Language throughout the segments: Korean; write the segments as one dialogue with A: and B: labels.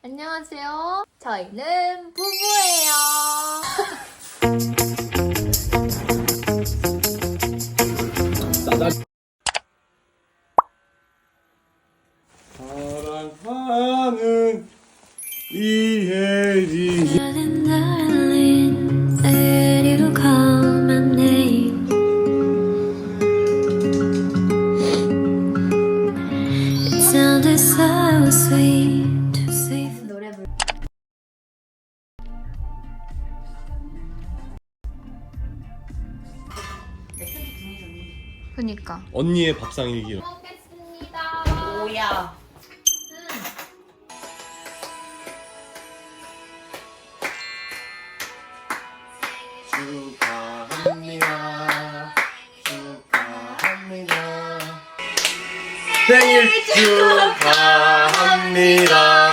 A: 안녕하세요. 저희는 부부예요.
B: 사랑하는 이혜리.
A: 노래 불. 그니까.
B: 언니의 밥상 일기.
A: 먹겠습니다.
C: 뭐야?
B: 축하합니다. 축하합니다. 생일 축하합니다.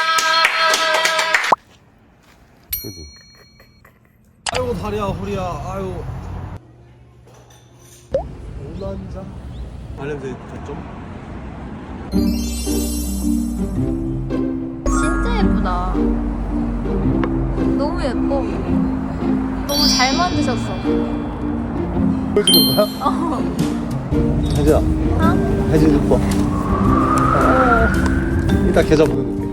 B: 그지? 아이고 다리야 허리야 아유. 오난자. 발냄새 좀.
A: 진짜 예쁘다. 너무 예뻐. 너무 잘 만드셨어.
B: 보여주는 거야? 혜지야.
A: 어?
B: 혜지 이뻐. 이따 계좌 보내줄게.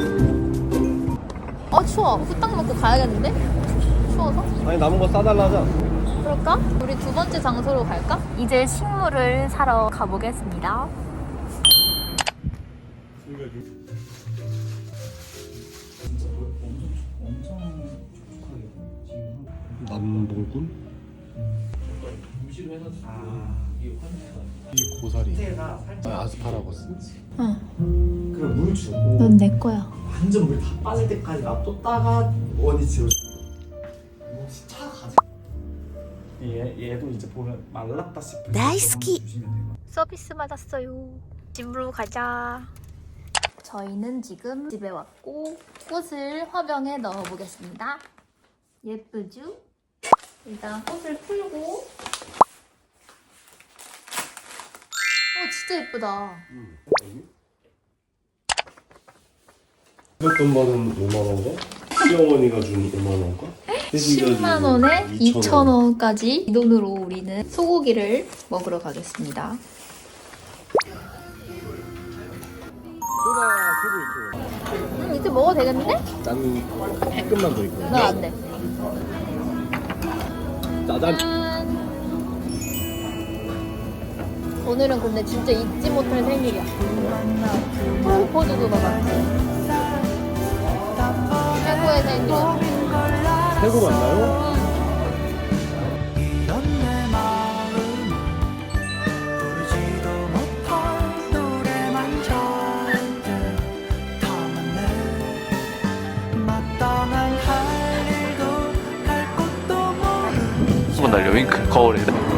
A: 추워. 후딱 먹고 가야겠는데? 추워서?
B: 아니 남은 거 싸달라 하자.
A: 그럴까? 우리 두 번째 장소로 갈까? 이제 식물을 사러 가보겠습니다.
B: 남봉군? 이 고사리. 아스파라거스.
D: 그럼 물 주고
A: 넌 내 거야.
D: 완전 물 다 빠질 때까지 놔뒀다가 원위치로 혹시 차 가지? 얘도 이제 보면 말랐다 싶을 때
A: 나이스키.
D: 주시면 돼요.
A: 서비스 받았어요. 집으로 가자. 저희는 지금 집에 왔고 꽃을 화병에 넣어보겠습니다. 예쁘죠? 일단 꽃을 풀고. 진짜 예쁘다.
B: 돈 받은 5만 원과 시어머니가 준 5만 원과
A: 10만 원에 2천 원까지 이 돈으로 우리는 소고기를 먹으러 가겠습니다.
B: 소다 소주 있죠.
A: 이제 먹어도 되겠는데?
B: 난 조금만 더 있고.
A: 난 안 돼.
B: 짜잔.
A: 짠. 오늘은 근데 진짜 잊지 못할 생일이야. 포즈도 봐봐. 최고의 생일.
B: 태국 맞나요?
E: 날려 윙크 거울에